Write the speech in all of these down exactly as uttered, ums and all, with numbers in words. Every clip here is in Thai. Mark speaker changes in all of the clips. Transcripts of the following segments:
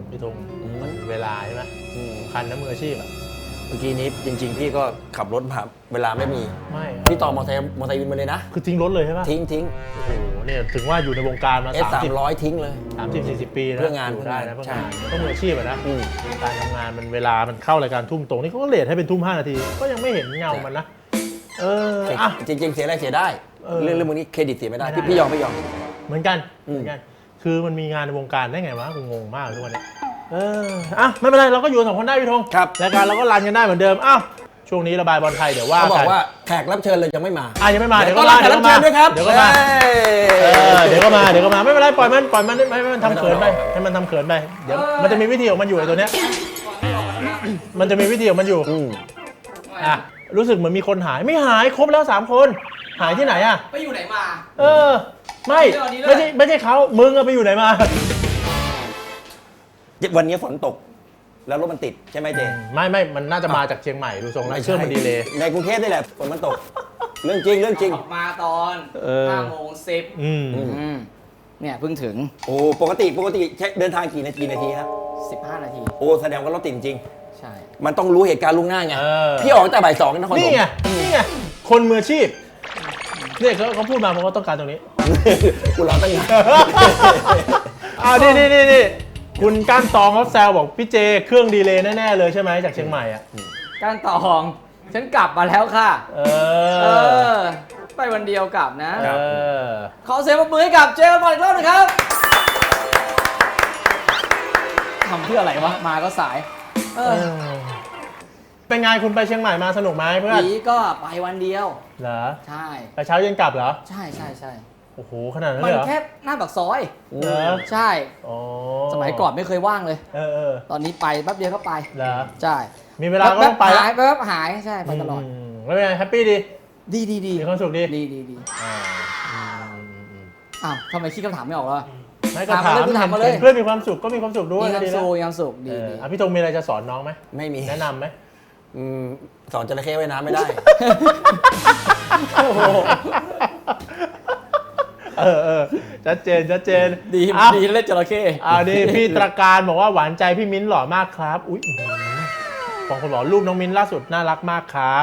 Speaker 1: พี่ธงมันเวลาใช่ไหมคันน้ำมืออาชีพอ่ะ
Speaker 2: เมื่อกี้นี้จริงๆพี่ก็ขับรถผ่านเวลาไม่มี
Speaker 1: ไม่
Speaker 2: พี่ต่อมอเตอร์ไซค์มอเตอร์ไซค์วินมาเลยนะ
Speaker 1: คือทิ้งรถเลยใช่ปะ
Speaker 2: ทิ้งทิ้ง
Speaker 1: โอ้โหเนี่ยถึงว่าอยู่ในวงการมา
Speaker 2: เอสสามร้อยทิ้งเลย
Speaker 1: สามสิบสี่สิบปีนะ
Speaker 2: เพื่องาน
Speaker 1: ได้นะเพื่องาน
Speaker 2: ใช่
Speaker 1: ต้องมืออาชีพอะนะการทำงานมันเวลามันเข้ารายการทุ่มตรงนี่เขาก็เลทให้เป็นทุ่มห้านาทีก็ยังไม่เห็นเงามันนะเอออ่ะ
Speaker 2: จริงๆเสียอะไรเสียได้เรื่องเรื่องพวกนี้เครดิตเสียไม่ได้พี่พี่ยอมไม่ยอม
Speaker 1: เหมือนกันเหมือนกันคือมันมีงานในวงการได้ไงวะกูงงมากทุกวันนี้เอออ่ะไม่เป็นไรเราก็อยู่สองคนได้พี่ธง
Speaker 2: ครับ
Speaker 1: รายการเราก็รันกันได้เหมือนเดิมอ้าวช่วงนี้ระบายบอลไทยเดี๋ยวว่า
Speaker 2: เขาบอกว่าแขกรับเชิญเลยยังไม่มา
Speaker 1: อ่ะยังไม่มาเดี๋ยวก็มา
Speaker 2: เดี๋ยวก็มาด้วยครับ
Speaker 1: เดี๋ยวก็มาเดี๋ยวก็มาเดี๋ยวก็มาไม่เป็นไรปล่อยมันปล่อยมันให้มันทำเขินไปให้มันทำเขินไปเดี๋ยวมันจะมีวิธีของมันอยู่ไอ้ตัวเนี้ยมันจะมีวิธีของมันอยู่อ่ะรู้สึกเหมือนมีคนหายไม่หายครบแล้วสามคนหายที่ไหนอ่ะ
Speaker 3: ไปอยู่ไหนมา
Speaker 1: เออไม่ไม่ใช่ไม่ใช่เขามึงอะไปอยู่ไหนมา
Speaker 2: วันนี้ฝนตกแล้วรถมันติดใช่ไหมเจ
Speaker 1: ไม่ไม่มันน่าจะมาจากเชียงใหม่ดูทรงแล้วเชื่อมันดีเลย
Speaker 2: ในกรุงเทพนี่แหละฝนมันตกเรื่องจริงเรื่องจริง
Speaker 3: มาตอนห้าโมงสิบเนี่ยเพิ่งถึง
Speaker 2: โอ้ปกติปกติเดินทางกี่นาทีนาทีครับ
Speaker 3: สิบห้านาที
Speaker 2: โอ้แสดงว่ารถติดจริง
Speaker 3: ใช่
Speaker 2: มันต้องรู้เหตุการณ์ล่วงหน้าไงพี่ออกแต่บ่ายสองนครปฐม
Speaker 1: นี่ไงนี่ไงคนมืออาชีพเนี่ยเขาเขาพูดมาเพราะเขาต้องการตรงนี้
Speaker 2: กูรอตั้งนาน
Speaker 1: อ่านี่นี่นี่นี่คุณก้านตองเขาแซวบอกพี่เจเครื่องดีเลย์แน่ๆเลยใช่ไหมจากเชียงใหม่อ่ะ
Speaker 3: ก้านตองฉันกลับมาแล้วค่ะเออไปวันเดียวกลับนะขอเสียงปรบมือให้กับเจกันบอลอีกรอบนึงครับทำเพื่ออะไรวะมาก็สาย
Speaker 1: เป็นไงคุณไปเชียงใหม่มาสนุกไหมเพื่อน
Speaker 3: ปีก็ไปวันเดียว
Speaker 1: เหรอ
Speaker 3: ใช่
Speaker 1: ไปเช้าเย็นกลับเหรอ
Speaker 3: ใช่ใช่ใช่
Speaker 1: โอ้โหขนาดนั้นเลยเหรอ
Speaker 3: มันแค่หน้าปากซอย
Speaker 1: เหรอ
Speaker 3: ใช่สมัยก่อนไม่เคยว่างเลย
Speaker 1: เออ
Speaker 3: ตอนนี้ไปแป๊บเดียวก็ไป
Speaker 1: เหรอ
Speaker 3: ใช่
Speaker 1: มีเวลาก็ต้องไป
Speaker 3: หายแป๊บหายใช่ไปตลอด
Speaker 1: แล้วเป็นไงแฮปปี้ดี
Speaker 3: ดีดีดี
Speaker 1: มีความสุขดี
Speaker 3: ดีดีดีอ้าวทำไมคิดคำถามไม่ออกล่ะ
Speaker 1: ไม่ก็ถามเพื่อนมีความสุขก็มีความสุขด้วย
Speaker 3: มีความสุขมีความสุขดี
Speaker 1: อ่ะพี่ธงมีอะไรจะสอนน้องไหม
Speaker 2: ไม่มี
Speaker 1: แนะนำไหม
Speaker 2: สอนจระเข้ว่ายน้ำไม่ได้
Speaker 1: เออเออชัดเจนชัดเจน
Speaker 3: ดีดีเล่นจระเข้
Speaker 1: อ่านี่พี่ตระการบอกว่าหวานใจพี่มิ้นหล่อมากครับอุ้ยบางคนบอกรูปน้องมิ้นล่าสุดน่ารักมากครับ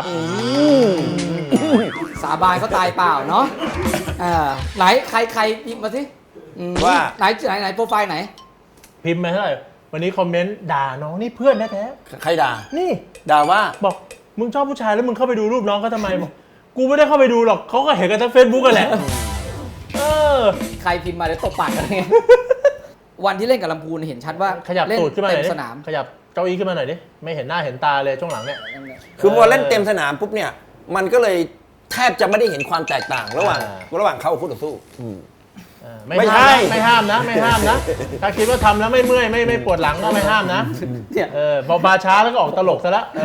Speaker 3: สาบานเขาตายเปล่าเนาะไหนใครใครพิมพ์มาสิ
Speaker 2: ว่า
Speaker 3: ไหนไหนไหนโปรไฟล์ไหน
Speaker 1: พิมพ์มาเท่าไหร่วันนี้คอมเมนต์ด่าน้องนี่เพื่อนแท้
Speaker 2: ๆใครด่า
Speaker 1: นี่
Speaker 2: ด่าว่า
Speaker 1: บอกมึงชอบผู้ชายแล้วมึงเข้าไปดูรูปน้องเขาทำไมบอกกูไม่ได้เข้าไปดูหรอกเขาก็เห็นกันทั้งเฟซบุ๊กกันแหละเออ
Speaker 3: ใครพิมพ์มาเดี๋ยวตบปากกันไงวันที่เล่นกับลำพูนเห็นชัดว่า
Speaker 1: ขยับตูดขึ้นมาหน่อย
Speaker 3: สนาม
Speaker 1: ขยับเก้าอี้ขึ้นมาหน่อยดิไม่เห็นหน้าเห็นตาเลยช่วงหลังเนี่ย
Speaker 2: คือพอเล่นเต็มสนามปุ๊บเนี่ยมันก็เลยแทบจะไม่ได้เห็นความแตกต่างระหว่างระหว่างเขาคู่ต่อสู้
Speaker 1: ไม่ห้ามไม่ห้ามนะไม่ห้ามนะถ้าคิดว่าทำแล้วไม่เมื่อยไม่ไม่ปวดหลังก็ไม่ห้ามนะเออพอมาช้าแล้วก็ออกตลกซะแล้ว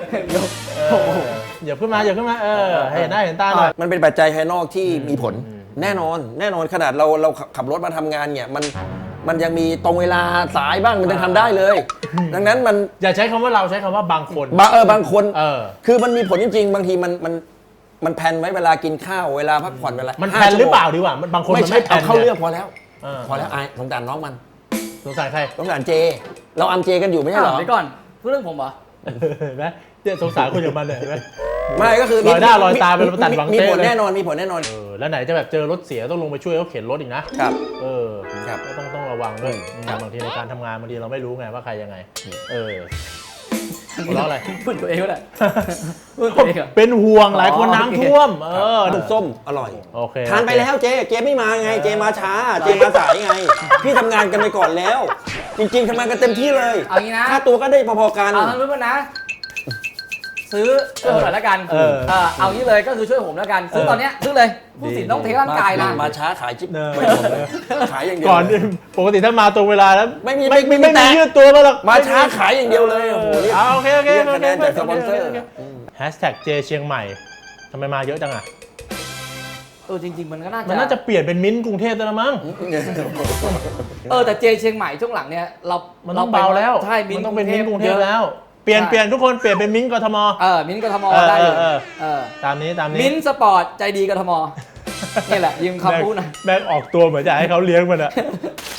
Speaker 1: อย่าขึ้นมาอย่าขึ้นมาเออให้เห็นหน้าเห็นตาหน่อย
Speaker 2: มันเป็นปัจจัยภายนอกที่มีผลแน่นอนแน่นอนขนาดเราเราขับรถมาทำงานเนี่ยมันมันยังมีตรงเวลาสายบ้างมันยังทำได้เลยดังนั้นมัน
Speaker 1: อย่าใช้คำว่าเราใช้คำว่าบางคน
Speaker 2: บางเออบางคนเออคือมันมีผลจริงๆบางทีมันมันมันแพนไว้เวลากินข้าวเวลาพักผ่อนเวลา
Speaker 1: มันแพนหรือเปล่าดีกว่ามันบางคนมันไม่แพน
Speaker 2: เข้าเรื่องพอแล้วพอแล้วไอ้สงสารน้องมัน
Speaker 1: สงสารใคร
Speaker 2: สงสารเจเราอัมเจกันอยู่ไม่ใช่หรอ
Speaker 3: เดี๋ยวก่อนพูดเรื่องผมเหรอ
Speaker 1: เห็นไหมเนี่ยสงสารคนอย่างมันเลยเห็นไหม
Speaker 2: ไม่ก็คือ
Speaker 1: ลอยหน้าลอยตาเป็นตัดบังเต้
Speaker 2: มีผลแน่นอนมีผลแน่นอน
Speaker 1: เออแล้วไหนจะแบบเจอรถเสียต้องลงไปช่วยเขาเข็นรถอีกนะครับเออ
Speaker 2: ครับ
Speaker 1: ก็ต้องต้องระวังด้วยบางทีในการทำงานบางทีเราไม่รู้ไงว่าใครยังไงเออหัวเราะอะไร
Speaker 3: พูดตัวเองก็ได้
Speaker 1: เป็นห่วงหลายคนน้ำท่วมเออ
Speaker 2: ลูกส้มอร่อย
Speaker 1: โอเค
Speaker 2: ทานไปแล้วเจเจไม่มาไงเจมาช้าเจมาสายไงพี่ทำงานกันไปก่อนแล้วจริงๆทำงานกันเต็มที่เลย
Speaker 3: เอางี้นะ
Speaker 2: ค่าตัวก็ได้พอๆกัน
Speaker 3: เอาทั้งรู้ป่ะนะซื้อช่วยผมหน่อยแล้วกันเออเอางี้เลยก็คือช่วยผมแล้วกันซื้อตอนเนี้ยซื้อเลยผู้สินต้องเทร่างกายนะ
Speaker 2: มาช้าขายจิ๊บขายอย่างเดียว
Speaker 1: ก่อนปกติถ้ามาตรงเวลาแล้ว
Speaker 2: ไม่มี
Speaker 1: ไม่ไม่ไม่ยืดตัวมาหรอก
Speaker 2: มาช้าขายอย่างเดียวเลยโอ้โห
Speaker 1: โอเคโอเค
Speaker 2: คะแนนจากสปอนเซอร์
Speaker 1: แฮชแท็กเจเชียงใหม่ทำไมมาเยอะจังอ่ะ
Speaker 3: เออจริงๆมันก็น่าจะ
Speaker 1: มันน่าจะเปลี่ยนเป็นมิ้นท์กรุงเทพแล้วมั้ง
Speaker 3: เออแต่เจเชียงใหม่ช่วงหลังเนี่ยเรา
Speaker 1: มันต้องเบาแล้ว
Speaker 3: ใช่
Speaker 1: มันต้องเป็นมิ้นท์กรุงเทพแล้วเปลี่ยนเปลี่ยนทุกคนเปลี่ยนเป็นมิ้นท์กทม
Speaker 3: เออมิ้นท์กทมได้อยู่
Speaker 1: ตามนี้ตามนี้
Speaker 3: มิ้นท์สปอร์ตใจดีกทมนี่แหละยืมคำพูดนะ
Speaker 1: แบงออกตัวเหมือนจะให้เขาเลี้ยงมันอะ